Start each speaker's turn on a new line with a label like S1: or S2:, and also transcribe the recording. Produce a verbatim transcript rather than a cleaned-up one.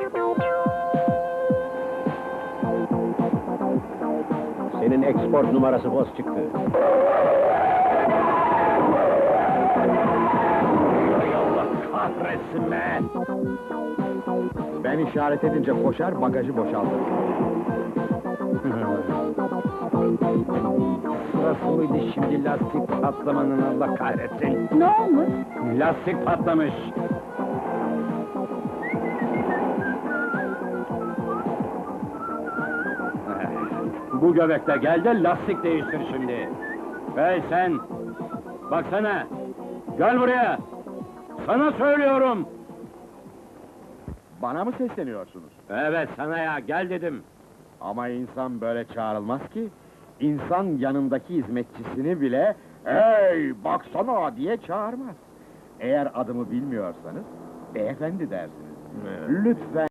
S1: Senin export numarası boz çıktı.
S2: Hay Allah kahretsin be!
S3: Ben işaret edince koşar, bagajı boşaltır.
S2: Sırası mıydı şimdi lastik patlamanın, Allah kahretsin?
S4: Ne olmuş?
S2: Lastik patlamış. Bu göbekte gel de lastik değiştir şimdi. Hey sen! Baksana! Gel buraya! Sana söylüyorum!
S3: Bana mı sesleniyorsunuz?
S2: Evet sana ya, gel dedim.
S3: Ama insan böyle çağrılmaz ki. İnsan yanındaki hizmetçisini bile "Hey, baksana!" diye çağırmaz. Eğer adımı bilmiyorsanız, beyefendi dersiniz. Lütfen